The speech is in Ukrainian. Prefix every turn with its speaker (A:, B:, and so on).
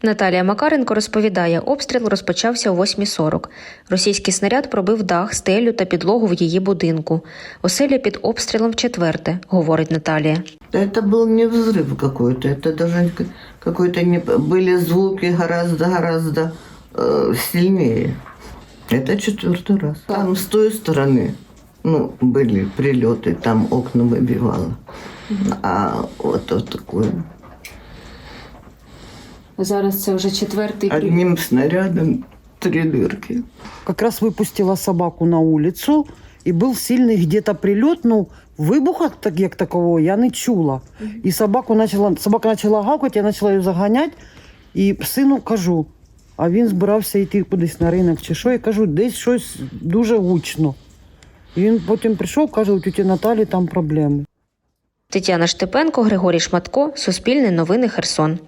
A: Наталія Макаренко розповідає, обстріл розпочався о 8:40. Російський снаряд пробив дах, стелю та підлогу в її будинку. Оселя під обстрілом вчетверте, говорить Наталія.
B: Это был не взрыв какой-то, это даже какой-то не... Были звуки гораздо сильнее. Это 4-й раз. Там с той стороны, были прилеты, там окна выбивало. А вот такое.
A: Зараз це вже 4-й прильот.
B: Одним снарядом 3 дырки.
C: Как раз выпустила собаку на улицу, и был сильный где-то прилет, вибуха як такого я не чула. І собака почала гавкати, я почала її заганяти, і сину кажу, а він збирався йти кудись на ринок чи що, і кажу, десь щось дуже гучно. І він потім прийшов, каже, у тіті Наталі там проблеми.
A: Тетяна Штепенко, Григорій Шматко, Суспільне новини, Херсон.